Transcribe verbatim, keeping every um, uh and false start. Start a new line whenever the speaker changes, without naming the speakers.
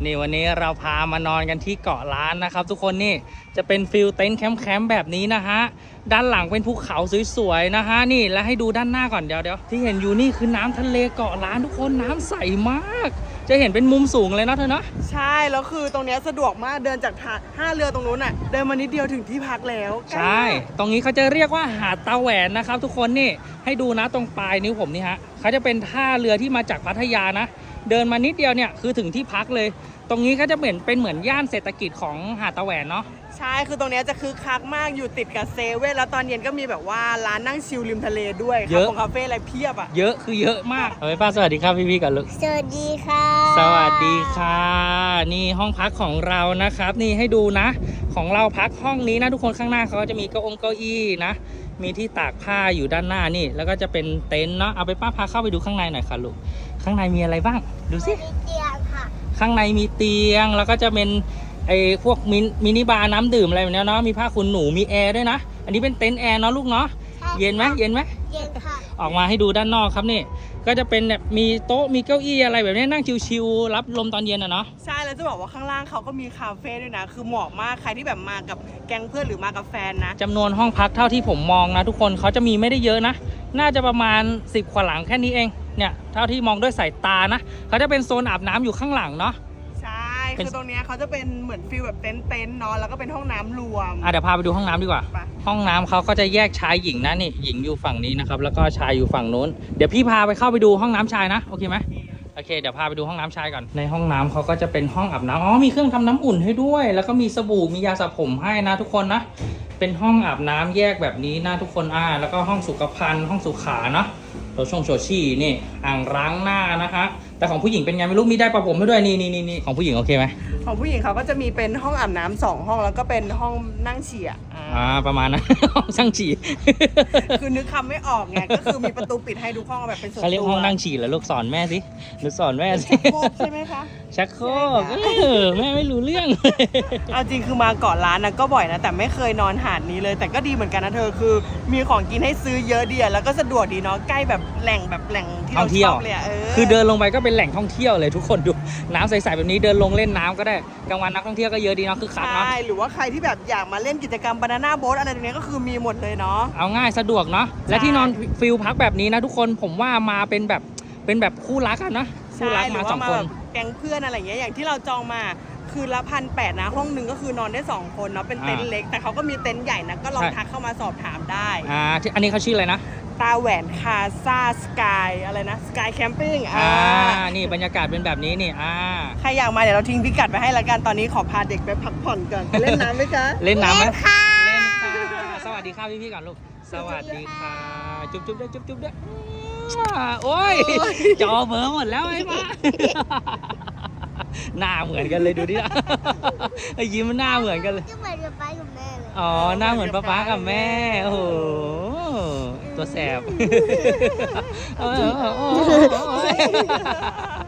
นี่วันนี้เราพามานอนกันที่เกาะล้านนะครับทุกคนนี่จะเป็นฟิลเต็นท์แคมป์แบบนี้นะฮะด้านหลังเป็นภูเขาสวยๆนะฮะนี่แล้วให้ดูด้านหน้าก่อนเดี๋ยวเดี๋ยวที่เห็นอยู่นี่คือน้ำทะเลเกาะล้านทุกคนน้ำใสมากจะเห็นเป็นมุมสูงเลยนะเธอเนาะ
ใช่แล้วคือตรงนี้สะดวกมากเดินจากท่าเรือตรงนู้นน่ะเดินมานิดเดียวถึงที่พักแล้ว
ใช่ตรงนี้เขาจะเรียกว่าหาดตาแหวนนะครับทุกคนนี่ให้ดูนะตรงปลายนิ้วผมนี่ฮะเขาจะเป็นท่าเรือที่มาจากพัทยานะเดินมานิดเดียวเนี่ยคือถึงที่พักเลยตรงนี้เขาจะเหมือนเป็นเหมือนย่านเศรษฐกิจของหาดตาแหวนเนาะ
ใช่คือตรงนี้จะคึกคักมากอยู่ติดกับเซเว่นแล้วตอนเย็นก็มีแบบว่าร้านนั่งชิลริมทะเลด้วยเยอะของคาเฟ่อะไรเพียบอ่ะ
เยอะคือเยอะมากเอาไปป้าสวัสดีครับพี่ๆกันลูก
สวัสดีค่ะ
สวัสดีค่ะนี่ห้องพักของเรานะครับนี่ให้ดูนะของเราพักห้องนี้นะทุกคนข้างหน้าเขาก็จะมีเก้าองเก้าอี้นะมีที่ตากผ้าอยู่ด้านหน้านี่แล้วก็จะเป็นเต็นท์เนาะเอาไปป้าพาเข้าไปดูข้างในหน่อยค่ะลูกข้างในมีอะไรบ้างดูสิ
มีเตียงค่ะ
ข้างในมีเตียงแล้วก็จะเป็นไอ้พวกมินมินิบาร์น้ำดื่มอะไรแบบนี้เนาะมีผ้าขนหนูมีแอร์ด้วยนะอันนี้เป็นเต็นท์แอร์เนาะลูกเนาะเย็นไหมเย็นไหม
เย็นค่ะ
ออกมาให้ดูด้านนอกครับนี่ก็จะเป็นแบบมีโต๊ะมีเก้าอี้อะไรแบบนี้นั่งชิวๆรับลมตอนเย็นอ่ะเนาะ
ใช่แล้วจะบอกว่าข้างล่างเขาก็มีคาเฟ่ด้วยนะคือเหมาะมากใครที่แบบมากับแก๊งเพื่อนหรือมากับแฟนนะ
จำนวนห้องพักเท่าที่ผมมองนะทุกคนเขาจะมีไม่ได้เยอะนะน่าจะประมาณสิบกว่าหลังแค่นี้เองเนี่ยเท่าที่มองด้วยสายตานะเขาจะเป็นโซนอาบน้ำอยู่ข้างหลังเนาะ
ใช่คือตรงนี้เขาจะเป็นเหมือนฟิลแบบเต็นท์เต็นท์เนาะแล้วก็เป็นห้องน้ำรวม
อ่ะเดี๋ยวพาไปดูห้องน้ำดีกว่าห้องน้ำเขาก็จะแยกชายหญิงนะนี่หญิงอยู่ฝั่งนี้นะครับแล้วก็ชายอยู่ฝั่งนู้นเดี๋ยวพี่พาไปเข้าไปดูห้องน้ำชายนะโอเคไหมโอเคเดี๋ยวพาไปดูห้องน้ำชายก่อนในห้องน้ำเขาก็จะเป็นห้องอาบน้ำอ๋อมีเครื่องทำน้ำอุ่นให้ด้วยแล้วก็มีสบู่มียาสระผมให้นะทุกคนนะเป็นห้องอาบน้ำแยกแบบนี้นะทุกคนอ่าแล้วก็ห้องสุขภัณฑ์ห้องสุขาเนาะโถชงโถชี่นี่อ่างล้างหน้านะคะแต่ของผู้หญิงเป็นไงไม่รู้มีได้ประผมให้ด้วยนี่นี่นี่ของผู้หญิงโอเคไหม
ของผู้หญิงเขาก็จะมีเป็นห้องอาบน้ำสองห้องแล้วก็เป็นห้องนั่งฉี่
อ่าประมาณนั้นห้องช่างฉี่
คือนึกคำไม่ออกไงก็คือมีประตูปิดให้ทุกห้องแบบเป็นส่วนตัว
เขาเรียกห้องนั่งฉี่เหรอลูกสอนแม่สิหนูสอนแม่สิ
ชักโครกใช่ไหมคะ
ชักโครกแม่ไม่รู้เรื่อง
เอาจริงคือมาเกาะล้านนะก็บ่อยนะแต่ไม่เคยนอนหาดนี้เลยแต่ก็ดีเหมือนกันนะเธอคือมีของกินให้ซื้อเยอะดีแล้วก็สะดวกดีเนาะใกล้แบบแหล่งแบบแหล่งที่เราชอบเลยเออ
คือเดินลงไปก็เป็นแหล่งท่องเที่ยวเลยทุกคนดูน้ำใสๆแบบนี้เดินลงเล่นน้ำก็ได้กลางวันนักท่องเที่ยวก็เยอะดีเนาะคือคักเนาะ
ใช่หรือว่าใครที่แบบอยากมาเล่นกิจกรรมบานาน่าโบ๊ทอะไรตรงนี้ก็คือมีหมดเลยเนาะ
เอาง่ายสะดวกเนาะและที่นอนฟิลพักแบบนี้นะทุกคนผมว่ามาเป็นแบบเป็นแบบคู่รักกันนะคู่รักมาสองคน
แก๊งเพื่อนอะไรอย่างเงี้ยอย่างที่เราจองมาคือละพันแปดนะห้องหนึ่งก็คือนอนได้สองคนเนาะเป็นเต็นท์เล็กแต่เขาก็มีเต็นท์ใหญ่นะก็ลองทักเข้ามาสอบถามได้
อ่าอันนี้เขาชื่ออะไรนะ
ตาแหวนคาซาสกายอะไรนะสกายแคมปิ้ง
อ่านี่บรรยากาศเป็นแบบนี้นี่อ่า
ใครอยากมาเดี๋ยวเราทิ้งพิกัดไปให้ละกันตอนนี้ขอพาเด็กไปพักผ่อนก่อนเล่นน้ำไหมคะ
เล่นน้ำไหมเล่นค่ะสวัสดีค่ะพี่ๆก่อนลูกสวัสดีค่ะจุ๊บจุ๊บด้วยจุ๊บจุ๊บด้วยโอ้ยจอเบอร์หมดแล้วไอ้ป้าหน้าเหมือนกันเลยดูดิไอ้ยิ้มหน้าเหมือนกันเลย
เหมือนกับป้ากับแม่เลย
อ๋อหน้าเหมือนป้าป้ากับแม่โอ้โหตัวแสบ